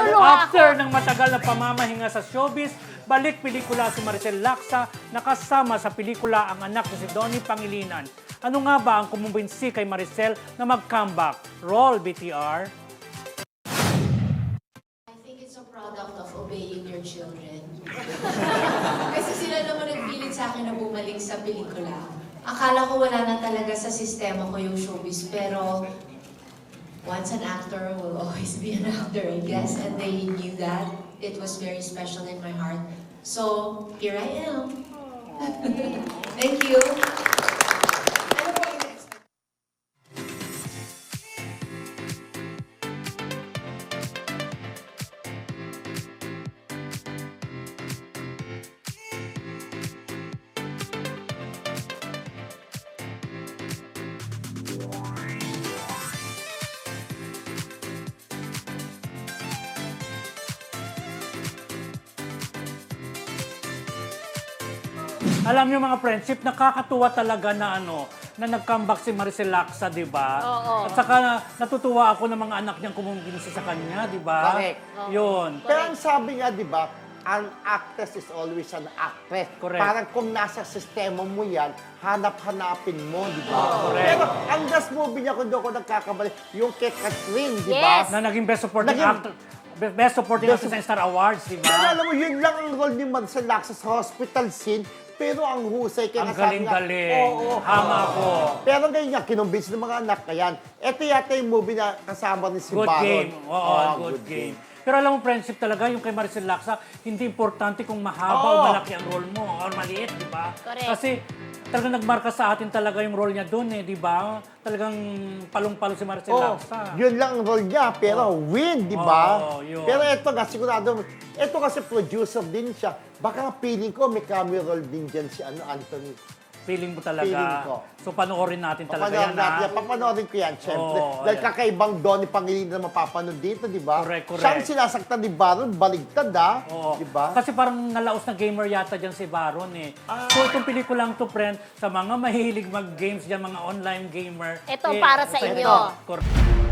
Naluluha After ako. ng matagal na pamamahinga sa showbiz, balik pelikula si Maricel Laksa na kasama sa pelikula ang anak ni si Donnie Pangilinan. Ano nga ba ang kumumbinsi kay Maricel na mag-comeback? Roll, BTR. I think it's a product of obeying your children. Kasi sila naman nagpilit sa akin na bumalik sa pelikula. Akala ko wala na talaga sa sistema ko yung showbiz, pero once an actor will always be an actor, I guess. And they knew that. It was very special in my heart. So, here I am. Thank you. Ano po yung next? Alam niyo mga friendship, nakakatuwa talaga na na nag-comeback si Maricel Laksa, di ba? Oo. At saka natutuwa ako ng mga anak niyang kumumbinsi sa kanya, di ba? Correct. Yun. Pero ang sabi nga, di ba, an actress is always an actress. Correct. Parang kung nasa sistema mo yan, hanap-hanapin mo, di ba? Correct. Pero ang last movie niya, kung doon ko nagkakamali, yung kay Catherine, di ba? Yes. Na naging Best Supporting Naging- Actor. Best Supporting Best- Actress sa Star Awards, di Pero ba? alam mo, yun lang ang role ni Maricel Laksa sa hospital scene, pero ang husay kaya Ang nga sabi nga, galing-galing. oo, Hama oo. ako. Pero ngayon nga, kinumbinsi ng mga anak, kaya ito yata yung movie na kasama ni si Good Baron. game. Oo, Oo, good game. Pero alam mo, friendship talaga, yung kay Maricel Laksa, hindi importante kung mahaba o Oo. malaki ang role mo or maliit, di ba? Correct. Kasi talagang nagmarka sa atin talaga yung role niya doon di ba? Talagang palong-palo si Maricel Oh, Laksa. yun lang ang role niya, pero win, di ba? Oo, yun. Pero ito nga, sigurado, ito kasi producer din siya. Baka feeling ko may cameo role din dyan si Anthony. Feeling mo talaga. Feeling ko. So panoorin natin talaga Papanoorin yan, natin ha? yan. Papanoorin ko yan, syempre. Oo, Dahil ayan. kakaibang Donnie Pangilinan na mapapanood dito, di ba? Correct, correct. Siya ang sinasaktan ni Baron, baligtad, ha? Oo. Di ba? Kasi parang nalaos na gamer yata dyan si Baron So itong pelikulang to, friend, sa mga mahilig mag-games dyan, mga online gamer. Ito para sa inyo. Correct.